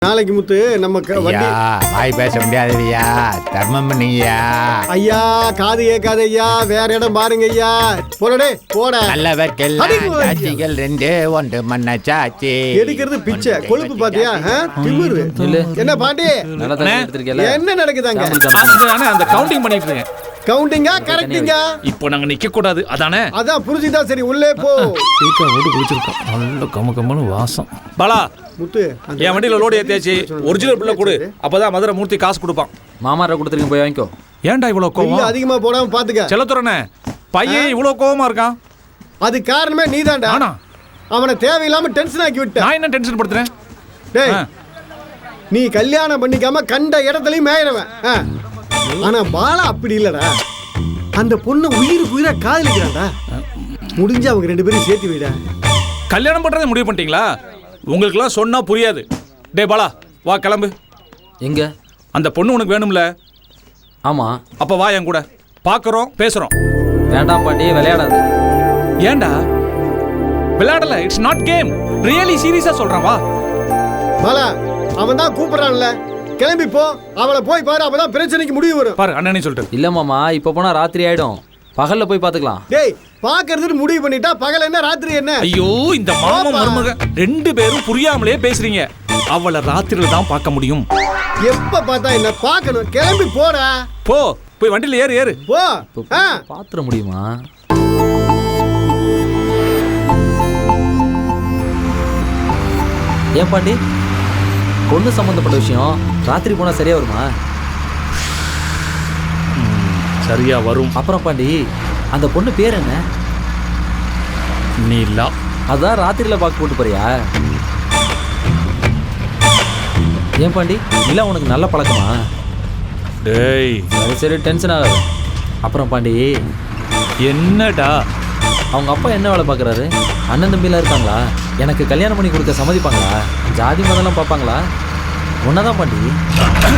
நாளைக்கு முத்து நம்ம வண்டி வாய் பேச முடியாதுயா, தர்மம் பண்ணீங்கயா. ஐயா காது கேட்காத ஐயா, வேற இடம் பாருங்க ஐயா. போடே போட நல்லவர்க்கெல்லாம் சாட்சிகள் ரெண்டு ஒன்று மன்ன சாட்சி. எடுக்கிறது பிச்சை கொழுப்பு பாத்தியா? திமிரு. என்ன பாண்டி என்ன நடக்குதாங்க? அந்த கவுண்டிங் பண்ணிட்டு இருக்கேன். கவுண்டிங்கா கரெக்டிங்கா? இப்போ நாங்க நிக்க கூடாது அதானே? அதான் புரிஞ்சுதா? சரி உள்ளே போ. டீக்கா ஓட்டு குளிச்சிருக்கோம். நல்ல கமகமனு வாசம். பாலா முத்து என் வண்டியில லோடு ஏத்தியாச்சு. ஒரிஜினல் பில்ல கொடு, அப்பதான் மதுரை மூர்த்தி காசு கொடுப்பான். மாமாரை கொடுத்துருங்க, போய் வாங்கிக்கோ. ஏன்டா இவ்வளவு கோவம்? அதிகமா போடாம பாத்துக்க. செல்லத்துறனே பையன் இவ்வளவு கோவமா இருக்கான். அது காரணமே நீதான்டா. ஆனா அவனை தேவையில்லாம டென்ஷன் ஆக்கி விட்ட. நான் என்ன டென்ஷன் படுத்துறேன்? டேய் நீ கல்யாணம் பண்ணிக்காம கண்ட இடத்துலயும் மேயிறவன். ஆனா பாலா அப்படி இல்லடா. அந்த பொண்ணு உயிருக்கு உயிரா காதலிக்கிறான்டா. முடிஞ்சு அவங்க ரெண்டு பேரும் சேர்த்து வைடா. கல்யாணம் பண்றதை முடிவு பண்ணிட்டீங்களா? உங்களுக்குலாம் சொன்னா புரியாது. டே பாலா வா கிளம்பு. எங்க? அந்த பொண்ணு உனக்கு வேணும்ல? ஆமா. அப்ப வா என் கூட, பாக்குறோம் பேசுறோம். வேண்டாம் பாட்டி, விளையாடாது. ஏண்டா விளையாடல? இட்ஸ் நாட் கேம், ரியலி சீரியஸா சொல்றேன். வா பாலா, அவன் தான் கூப்பிடுறான்ல, கிளம்பி போ. அவளை போய் பாரு, அப்பதான் பிரச்சனைக்கு முடிவு வரும். பாரு அண்ணனே சொல்லிட்டு. இல்ல மாமா, இப்ப போனா ராத்திரி ஆயிடும். பகல்ல போய் பாத்துக்கலாம். டேய் பாக்குறதுன்னு முடிவு பண்ணிட்டா பகல் என்ன ராத்திரி என்ன? ஐயோ இந்த மாமா மருமக ரெண்டு பேரும் புரியாமலே பேசுறீங்க. அவளை ராத்திரில தான் பார்க்க முடியும். எப்ப பார்த்தா என்ன பார்க்கணும்? கிளம்பி போடா. போ, போய் வண்டியில ஏறு ஏறு. போ. பாத்துற முடியுமா? ஏன் பாண்டி, பொண்ணு சம்பந்தப்பட்ட விஷயம் ராத்திரி போனா சரியா வருமா? சரியா வரும். அப்புறம் பாண்டி, அந்த பொண்ணு பேர் என்ன? நீலா. அதான் ராத்திரியில பாக்கு போட்டு போறியா? ஏன் பாண்டி, நிலா உனக்கு நல்ல பழக்கமா? டேய் சரி சரி, டென்ஷன் ஆகாது. அப்புறம் பாண்டி, என்னடா அவங்க அப்பா என்ன வேலை பார்க்குறாரு? அண்ணன் தம்பிலாம் இருக்காங்களா? எனக்கு கல்யாணம் பண்ணி கொடுக்க சம்மதிப்பாங்களா? ஜாதி மதம்லாம் பார்ப்பாங்களா? ஒன்னதான் பாண்டி.